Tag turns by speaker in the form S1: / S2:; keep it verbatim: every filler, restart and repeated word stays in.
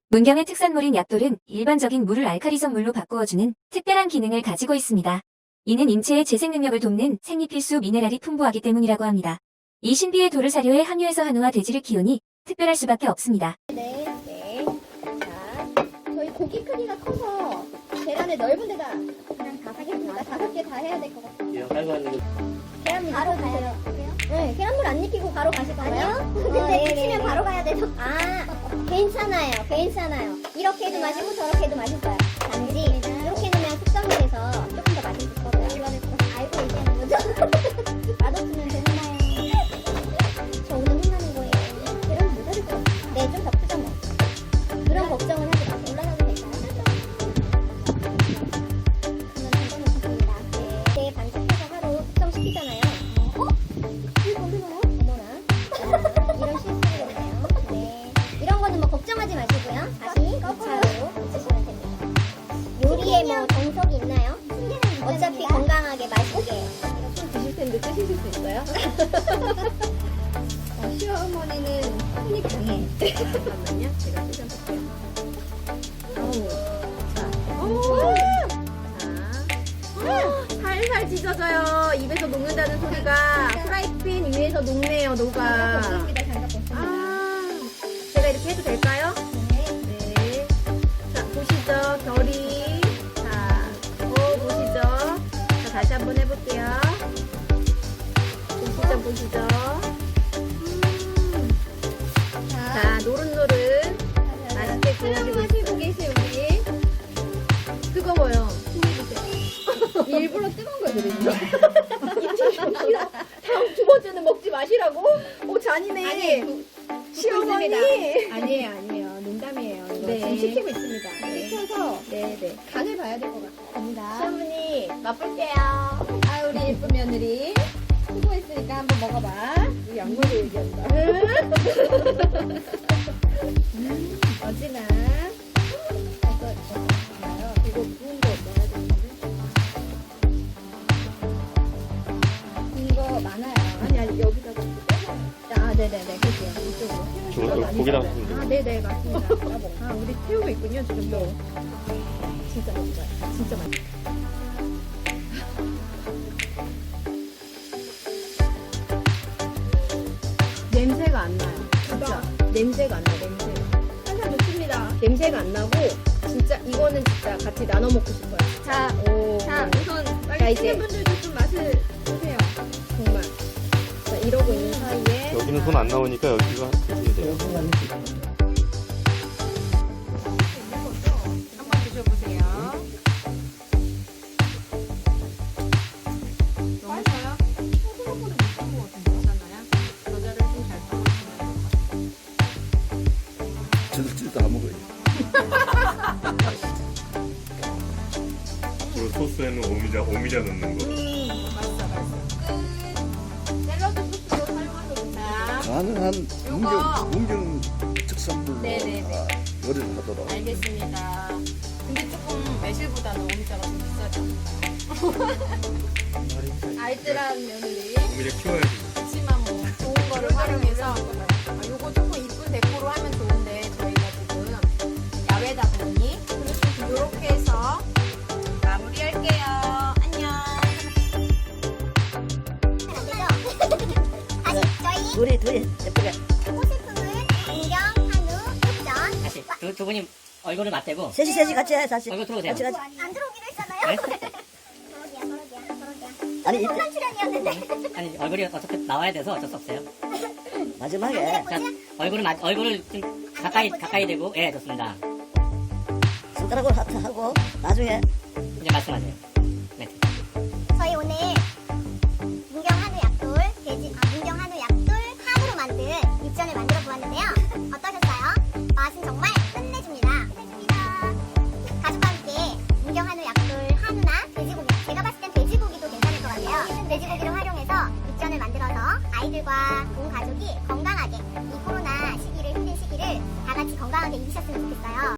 S1: 문경의 특산물인 약돌은 일반적인 물을 알카리성 물로 바꾸어주는 특별한 기능을 가지고 있습니다. 이는 인체의 재생 능력을 돕는 생리필수 미네랄이 풍부하기 때문이라고 합니다. 이 신비의 돌을 사료에 함유해서 한우와 돼지를 키우니 특별할 수밖에 없습니다.
S2: 네, 네. 자, 저희 고기 크기가 커서 계란을 넓은 데다 그냥 다 하겠습니다. 다섯 개 다 해야 될 것 같아요.
S3: 예, 깔고 하는 거.
S2: 계란물 바로 가요. 네, 계란물 안 익히고 바로 가실 건가요? 아니요. 근데 익히면 바로 가야 돼서. 아, 괜찮아요. 괜찮아요. 이렇게 해도 맛있고 저렇게 해도 맛있어요. 단지 이렇게 넣으면 숙성이 돼서 조금 더 맛있을 거고요. 알고 얘기하는 거죠? 맛없으면 되나요? 저 오늘 혼나는 거예요. 계란 모자랄 것 같아요. 네, 좀 더 크죠 뭐. 그런 걱정은 하지 마세요. 올라가도 될까요? 그러면 잠깐만 네, 네, 반죽해서 하루 숙성시키잖아요. 어? 이거 언제 나요? 어머나. 이런 실수를 했네요. 네. 이런 거는 뭐 걱정하지 마시고요. 다시 이 차로 붙이시면 됩니다. 요리에 뭐 정석이 있나요? 어차피 건강하게 맛있게. 좀 드실 텐데 드실 수 있어요? 어, 시어머니는 손이 강해. 잠깐만요. 제가 드셔볼게요. 어우. 자. 오! 자. 살살 찢어져요. 입에서 녹는다는 소리가 프라이팬 위에서 녹네요, 녹아. 아, 제가 이렇게 해도 될까요? 네. 네. 자, 보시죠, 결이. 자, 어, 보시죠. 자, 다시 한번 해볼게요. 보시죠, 보시죠. 음. 자, 노릇노릇. 맛있게 구워지고 마시고 계신 우리. 뜨거워요. 일부러 뜨거운 거 드리죠. 다음 두 번째는 먹지 마시라고? 오, 잔이네. 아니, 시어머니. 아니에요, 아니에요. 농담이에요. 이거
S4: 네.
S2: 지금 시키고 있습니다. 시켜서
S4: 네네.
S2: 간을 봐야 될 것 같습니다.
S4: 시어머니 맛볼게요.
S2: 아, 우리 예쁜 며느리. 수고했으니까 한번 먹어봐. 우리 양말을 얘기한다. 음, 어지나. 이거, 이거, 이거 구운 거 넣어야 되는데. 이거 많아요. 아니, 아니, 여기다가 빼서. 아, 네네네. 그게요. 이쪽으로.
S3: 저거 고기 담으시면 돼요.
S2: 아, 네네. 맞습니다. 아, 우리 태우고 있군요, 지금 또. 진짜 맛있어요. 진짜 맛있어요. 냄새가 안 나요. 진짜. 냄새가 안 나요, 냄새가. 한살 놓습니다. 냄새가 안 나고, 진짜, 이거는 진짜 같이 나눠 먹고 싶어요.
S4: 자,
S2: 오.
S4: 자 우선
S2: 자,
S4: 빨리
S2: 이제.
S4: 치는 분들도 좀 맛을 보세요.
S2: 정말. 자, 이러고 있는 사이에.
S3: 여기는 손 안 나오니까 여기가 드시면 돼요.
S4: 한번 드셔보세요. 너무 커요? 생각보다 못한것 같은데 괜찮나요? 겨자를 좀 잘 떠주시면
S5: 저들도 다 먹어요.
S6: 앞으로 소스에는 오미자, 오미자 넣는 거.
S4: 음, 맛있어, 맛있어. 끝. 샐러드 소스도 활용하셔도 좋다.
S5: 가능한
S4: 요거.
S5: 문경, 문경 특산물로
S4: 네네네.
S5: 아, 요리를 하도록.
S4: 알겠습니다. 근데 조금 매실보다는 오미자가 좀 비싸죠. 알뜰한 며느리.
S6: 오미자 키워야지.
S4: 그렇지만 뭐 좋은 거를 활용해서 아, 요거 조금 이쁜 데코로 하면 좋은데 저희가 지금 야외다 보니 이렇게 해서 마무리할게요. 안녕.
S2: 다시, 저희
S7: 둘이 둘이 예쁘게
S2: 호시품은 문경, 한우, 흑전.
S7: 다시
S8: 두, 두 분이 얼굴을 맞대고
S7: 셋이 셋이 같이 해 다시
S8: 얼굴 들어오세요.
S7: 같이 같이
S2: 안 들어오기로 했잖아요.
S8: 네?
S2: 그러기야, 그러기야, 그러기야.
S7: 아니 이때
S2: 혼란 출연이었는데.
S8: 아니 얼굴이 어차피 나와야 돼서 어쩔 수 없어요.
S7: 마지막에
S8: 자, 얼굴을 마, 얼굴을 좀 가까이 가까이 대고 예 좋습니다.
S7: 손가락으로 하트 하고 나중에
S8: 이제 말씀하세요. 네.
S2: 저희 오늘 문경 한우 약돌, 돼지, 아, 문경 한우 약돌 한우로 만든 육전을 만들어 보았는데요. 어떠셨어요? 맛은 정말 끝내줍니다. 끝내줍니다. 가족과 함께 문경 한우 약돌 한우나 돼지고기, 제가 봤을 땐 돼지고기도 괜찮을 것 같아요. 돼지고기를 활용해서 육전을 만들어서 아이들과 온 가족이 건강하게 이 코로나 시기를 힘든 시기를 다 같이 건강하게 이기셨으면 좋겠어요.